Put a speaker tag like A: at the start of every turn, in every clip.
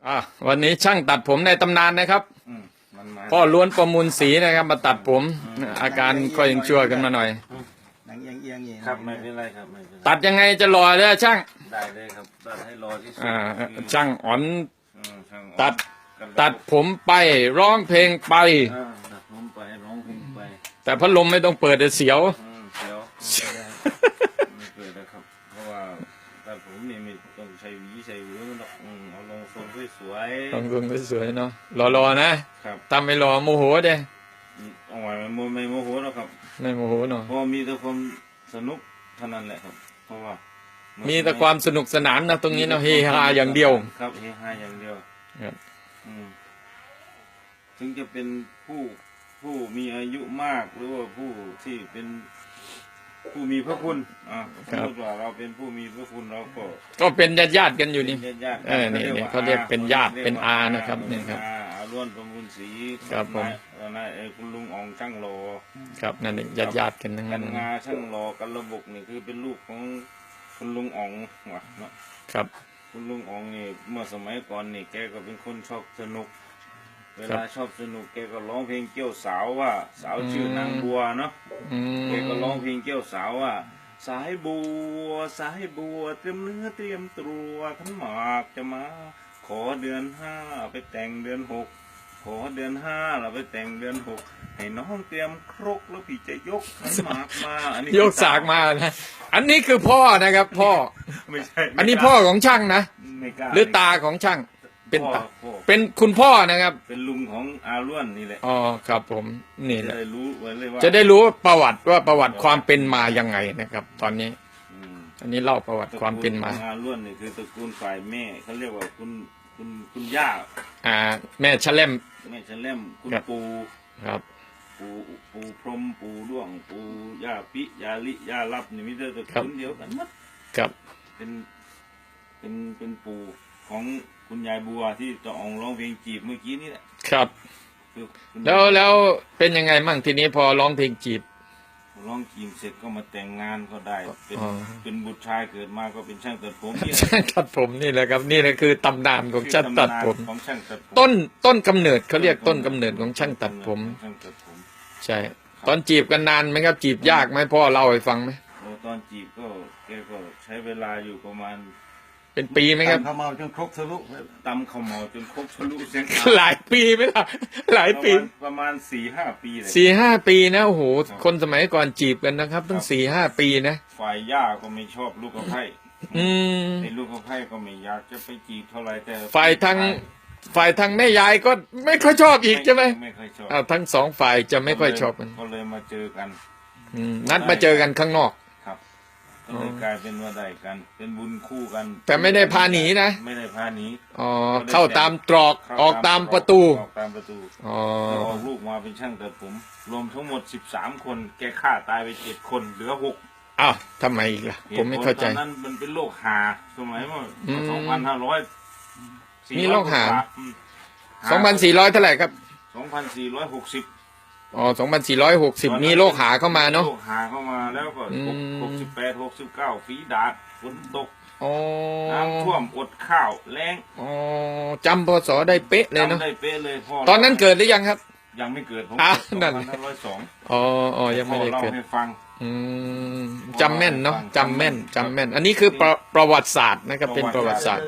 A: วันนี้ช่างตัดผมในตำนานนะครับพ่อล้วนประมูลสีนะครับมาตัดผมอาการก็ยังชั่วกันมาหน่อย
B: หนังเอียงๆ
C: ครับไม่เป็นไรครับไม่เป็นไร
A: ตัดยังไงจะหล่อเลยช่าง
C: ได้เลยครับตัดให้รอที่สุด
A: ช่างอ่อน
C: ช่าง
A: ตัดผมไปร้องเพลงไป
C: ตัดผมไปร้องเพลงไป
A: แต่พัดลมไม่ต้องเปิดเดี๋ยวเสียว
C: เสียวไม่เปิดนะครับเพราะว่าตัดผมนี่ไม่ต้องใช้หวีใช้หวีหรอกเอาลงทรงสวยๆ
A: ลงทรงสวยๆเนาะรอนะครับทำไม่รอโมโหเด้
C: เอาไว้ไม่โมโหหรอกครับ
A: ไม่โมโหเนาะ
C: เพราะมีแต่ความสนุกเท่านั้นแหละครับเพราะว่า
A: มีแต่ความสนุกสนานนะตรงนี้เนาะเฮฮาอย่างเดียว
C: ครับเฮฮาอย่างเดียว
A: ครับ
C: ถึงจะเป็นผู้มีอายุมากหรือว่าผู้ที่เป็นผู้มีพระคุณสมมติว่าเราเป็นผู้มีพระคุณเรา
A: ก็เป็นญาติกันอยู่นี่
C: นี่
A: เขาเรียกเป็นญาติเป็นอานะครับนี่ครับ
C: ล้วนประมูลสี
A: ครับผม
C: นายคุณลุงอ่องช่างโล
A: ครับนั่นเองญาติกันทั้งนั้น
C: งาช่างโลกันระบบนี่คือเป็นลูกของคุณลุงอ่องว่ะเนาะ
A: ครับ
C: คุณลุงอ่องนี่เมื่อสมัยก่อนนี่แกก็เป็นคนชอบสนุกเวลาชอบสนุกแกก็ร้องเพลงเกี่ยวสาวว่าสาวชื่อนางบัวเนาะแกก็ร้องเพลงเกี่ยวสาวว่าสายบัวเตรียมเนื้อเตรียมตัวขันหมากจะมาขอเดือน5ไปแต่งเดือน6ขอเดือน5เราไปแต่งเดือน6ให้น้องเตรียมครกแล้วพี่จะยกขันหมากมาอันนี้
A: ยกสากมานะอันนี้คือพ่อนะครับพ่อ
C: ไม่ใช่
A: อันนี้พ่อของช่างนะหรือตาของช่างเป็นคุณพ่อนะครับ
C: เป็นลุงของอาล้วนนี่แหละ
A: อ๋อครับผมนี่แหละ
C: จะได้รู้
A: ประวัติความเป็นมายังไงนะครับ ตอนนี้อันนี้เล่าประวัติความเป็นมา
C: อาล้วนนี่คือตระกูลฝ่ายแม่เขาเรียกว่าคุณย่า
A: แม่ชะเล่ม
C: คุณปู่
A: ครับ
C: ปู่พรหมปู่ด้วงปู่ย่าปิย่าลิย่าลับนี่มีแต่ตระกูลเดียวกันหมด
A: ครับ
C: เป็นปู่ของคุณยายบัวที่จะออกร้องเพลงจีบเมื่อกี้นี่แหละ
A: ครับแล้วเป็นยังไงมั่งทีนี้พอร้องเพลงจีบ
C: ร้องจีบเสร็จก็มาแต่งงานก็ได้เป็นบุตรชายเกิดมาก็เป็นช่างตัดผม
A: ช่างตัดผมนี่แหละครับนี่แหละคือตำนานของช่างตัดผมต้นกำเนิดเขาเรียกต้นกำเนิดของช่างตัดผมใช่ตอนจีบกันนานไหมครับจีบยากไหมพ่อเล่าให้ฟังไหม
C: ตอนจีบแกก็ใช้เวลาอยู่ประมาณ
A: เป็นปีไหมครับ
B: ตำข้าวเมาจนครกทะลุ
C: ตำข้าวเมาจนครกทะลุเสียง
A: หลายปีไหมล่ะหลายปี
C: ประมาณ4-5 ปีเลย
A: 4-5 ปีนะโอ้โหคนสมัยก่อนจีบกันนะครับตั้ง4-5 ปีนะ
C: ฝ่ายย่าก็ไม่ชอบลูกกระไพ่ไอ้ลูกกระไพ่ก็ไม่อยากจะไปจีบเท่าไรแต่
A: ฝ่ายทางแม่ยายก็ไม่ค่อยชอบอีกใช่ไหม
C: ไม่ค่อยชอบ
A: ทั้งสองฝ่ายจะไม่ค่อยชอบกัน
C: ก็เลยมาเจอกัน
A: นัดมาเจอกันข้างนอก
C: ก็เลยกลายเป็นว่าได้กันเป็นบุญคู่กัน
A: แต่ไม่ได้พาหนีนะ
C: ไม่ได้พาหนี
A: เข้าตามตรอกออกตามประตู
C: ออกลูกมาเป็นช่างตัดผมรวมทั้งหมด13 คนแกฆ่าตายไป7 คนเหลือ6
A: อ้าวทำไมอีกล่ะผมไม่เข้าใจ
C: ตอนนั้นมันเป็นโรคหาสมัยเมื่อ2,500
A: มีโรคหา2,400เท่าไหร่ครับ
C: 2,460
A: 2,460มีโรคหาเข้ามาเนาะ
C: โรคหาเข้ามาแล้วก็68-69ฝีดาษฝนตกน้ำท่วมอดข้าวแล้ง
A: จำพศได้เป๊ะเลยเนาะ
C: จำได้เป๊ะเลยพ่อ
A: ตอนนั้นเกิดหรือยังครับ
C: ยังไม่เกิดผม
A: นั่น
C: 2502
A: ยังไม่ได้เกิด
C: ให้ฟัง
A: จำแม่นเนาะจำแม่นอันนี้คือประวัติศาสตร์นะครับเป็นประวัติศาสตร์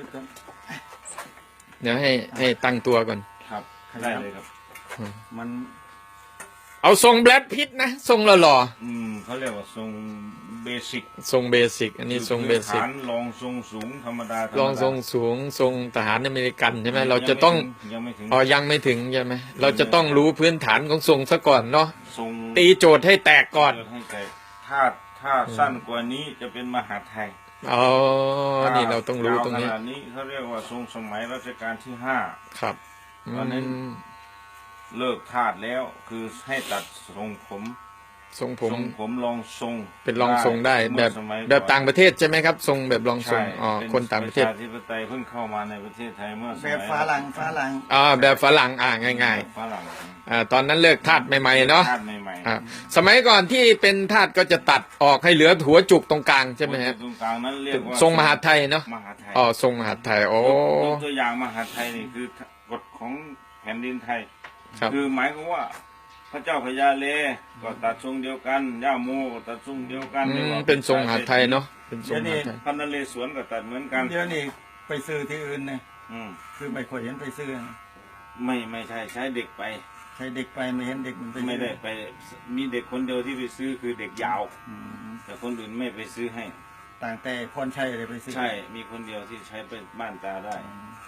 A: เดี๋ยวให้ตั้งตัวก่อน
C: ครับได้เลยครับ
A: มันเอาทรงแบล็ดพิทนะทรงหล่อ
C: เขาเรียกว่าทรงเบ
A: สิกอันนี้ทรงเบสิก
C: ลองทรงสูงธรรมดา
A: ลองทรงสูงทรงทหารอเมริกันใช่ไหมเราจะต้อง
C: ยังไม่ถึง
A: ใช่ไหมเราจะต้องรู้พื้นฐานของทรงซะก่อนเนาะตีโจทย์ให้แตกก่อน
C: ถ้าสั้นกว่านี้จะเป็นมหาไทย
A: นี่เราต้องรู้ตรงนี้
C: ขนาดนี้เขาเรียกว่าทรงสมัยรัชกาลที่5
A: ครับ
C: ตอนนั้นเลิกทาสแล้วคือให้ตัดทรงผมลองทรง
A: เป็นลองทรงได้แบบต่างประเทศใช่ไหมครับทรงแบบลองทรงคนต่างประเทศ
C: ประชาธิปไตยเพิ่งเข้ามาในประเทศไทยเมื่อ
B: แบบฝรั่ง
A: แบบฝรั่งง่าย
C: ฝรั่ง
A: ตอนนั้นเลิกทาสใหม่ๆเนาะ
C: ม่
A: สมัยก่อนที่เป็นทาสก็จะตัดออกให้เหลือหัวจุกตรงกลางใช่ไหมฮะ
C: ตรงกลางนั้นเรียกว่า
A: ทรงมหาไทยเนาะ
C: มหาไทย
A: อ๋อทรงมหาไทยโอ้
C: ยกตัวอย่างมหาไทยนี่คือกฎของแผ่นดินไทย
A: ครับ
C: คือหมายความว่าพระเจ้าพญาเลก็ตัดทรงเดียวกันย่าโมก็ตัดทรงเดียวกัน
A: อื
C: รียก
A: ม
C: ว่า
A: เป็นทรงมหาไทยเนาะเป็นทรงมหาไทย
C: พระนเรศวรก็ตัดเหมือนกัน
B: เดี๋ยวนี้ไปซื้อที่อื่นเนี่ย
C: อืม
B: คือไม่ค่อยเห็นไปซื้อนะ
C: ไม่ใช่ใช้เด็กไป
B: ใช้เด็กไปไม่เห็นเด็กมันไปซื้อ
C: ไม่ได้ไปมีเด็กคนเดียวที่ไปซื้อคือเด็กยาว
B: อืม
C: แต่คนอื่นไม่ไปซื้อให้
B: ต่างแต่พรชัยอะไรไปซื้อ
C: ใช่ มีคนเดียวที่ใช้เป็นบ้านตาได้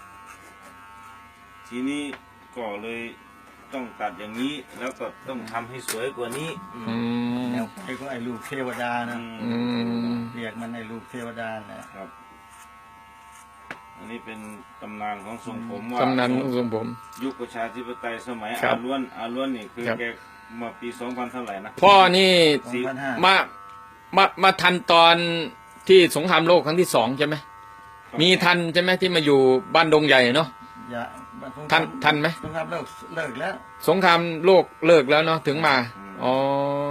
C: ทีนี้ก็เลยต้องตัดอย่างนี้ แล้วก็ต้องทำให้สวยกว่านี้
A: อืม
B: แนวไปก็ไอ้ลูกเทวดานะ
A: อืม
B: เรียกมันไอ้ลูกเทวดาแหละ
C: ครับ อันนี้เป็นตำนานของทรงผมว่า
A: ตำนานทรงผม
C: ยุคประชาธิปไตยสมัย
A: ครั
C: อา
A: บ
C: ล้วนนี่คือ
A: ครับ
C: แกมาปี 2000 เท่าไหร่นะ
A: พ่อนี่
B: 2,500
A: มาทันตอนที่สงครามโลกครั้งที่2ใช่ไหมมีทันใช่ไหมที่มาอยู่บ้านดงใหญ่เนาะ
B: อย่า
A: ทันไหม
B: สงครามเลิกแล้ว
A: สงครามโลกเลิกแล้วเนาะถึงมาอ๋อ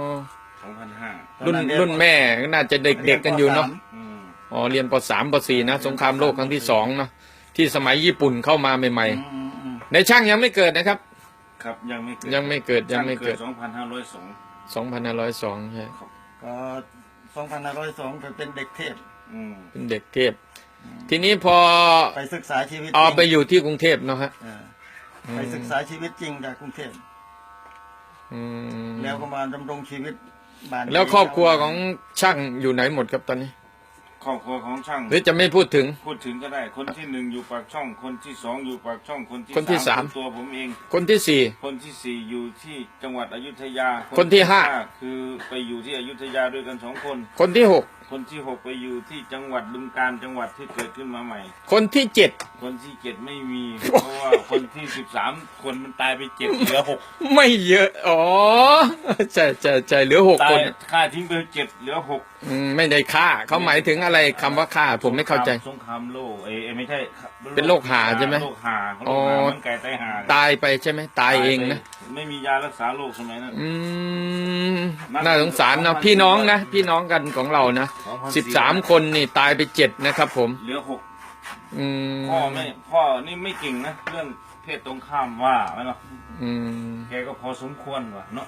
C: 2005
A: รุ่นแม่ก็น่าจะเด็กๆกันอยู่เนาะ
C: อืม
A: อ๋อเรียนป .3 ป .4 นะสงครามโลกครั้งที่2เนาะที่สมัยญี่ปุ่นเข้ามาใหม่ๆในช่างยังไม่เกิดนะครับ
C: ครับยังไม่เกิด
A: ยังไม่เกิด
C: 2502
A: 2502ใช่
B: ก็2502ไปเป็นเด็กเทพ
C: อืม
A: เป็นเด็กเทพทีนี้พอ
B: ไปศึกษาชีวิตจ
A: เอา
B: ริง
A: ไปอยู่ที่กรุงเทพเนาะฮะ
B: เออไปศึกษาชีวิตจริงจากกรุงเทพ
A: อืม
B: แล้วก็มาดำรงชีวิตบ้าน
A: แล้วครอบครัวของช่างอยู่ไหนหมดครับตอนนี้
C: ครอบครัวของช่าง
A: หรือจะไม่พูดถึง
C: พูดถึงก็ได้ คนที่ 1อยู่ปากช่อง คนที่ 2อยู่ปากช่อง คนที่
A: คนที่
C: สาม
A: 3
C: คือตัวผมเอง
A: คนที่
C: คนที่ 4อยู่ที่จังหวัดอยุธยา
A: คนที่ห้า
C: คือไปอยู่ที่อยุธยาด้วยกัน2 คน
A: 4 คนที่
C: คนที่ 6ไปอยู่ที่จังหวัดบึงกาฬจังหวัดที่เกิดขึ้นมาใหม่
A: 6 คนที่
C: คนที่ 7ไม่มี เพราะว่าคนที่ 13 คนมันตายไป7เหลือ 6
A: 7 ไม่เยอะอ๋อใช่เหลือ6
C: ตา
A: ค
C: ย
A: น
C: ฆ่าทิ้งไป7เหลือ 6
A: ไม่ได้ฆ่าเขาหมายถึงอะไรคำว่าฆ่าผมไม่เข้าใจ
C: สงครามโลกไม่ใช่
A: เป็นโรคหาใช่ไหม
C: โรคหา
A: อ๋อ
C: เหมือนไก่ตายหา
A: ตายไปใช่ไหมตายเองนะ
C: ไม่มียารักษาโรคสมัยนั้น
A: น่าสงสารนะพี่น้องนะพี่น้องกันของเรานะ13 คนนี่ตายไป7นะครับผม
C: เหลือ
A: อืม
C: 6พ่อนี่ไม่เก่งนะเรื่องเพศตรงข้ามว่าไหมเนาะ
A: อืม
C: แกก็พอสมควรว่ะเนาะ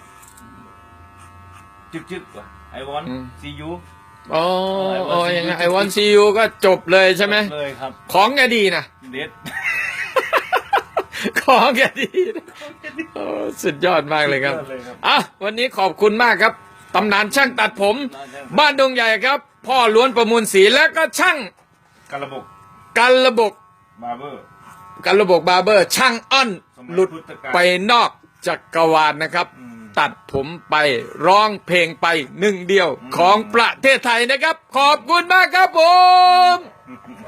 C: จึกว่ะไอวอนซียู
A: อ๋อยังไงไอวอนซียูก็จบเลยใช่ไหม
C: เลยครับ
A: ของแกดีนะ
C: เด็ด
A: ของแกดีนะโอ้สุดยอดมากเลยครับอ่ะวันนี้ขอบคุณมากครับตำนานช่างตัดผม บ้านดงใหญ่ครับ พ่อล้วนประมูลศรีและก็ช่าง
C: กระบบ
A: กันระบบ
C: บาร์เบอร์
A: กันระบบบาร์เบอร์ช่างอ้อนหลุดไปนอกจักรวาลนะครับ ตัดผมไปร้องเพลงไป1 เดียวของประเทศไทยนะครับ ขอบคุณมากครับผม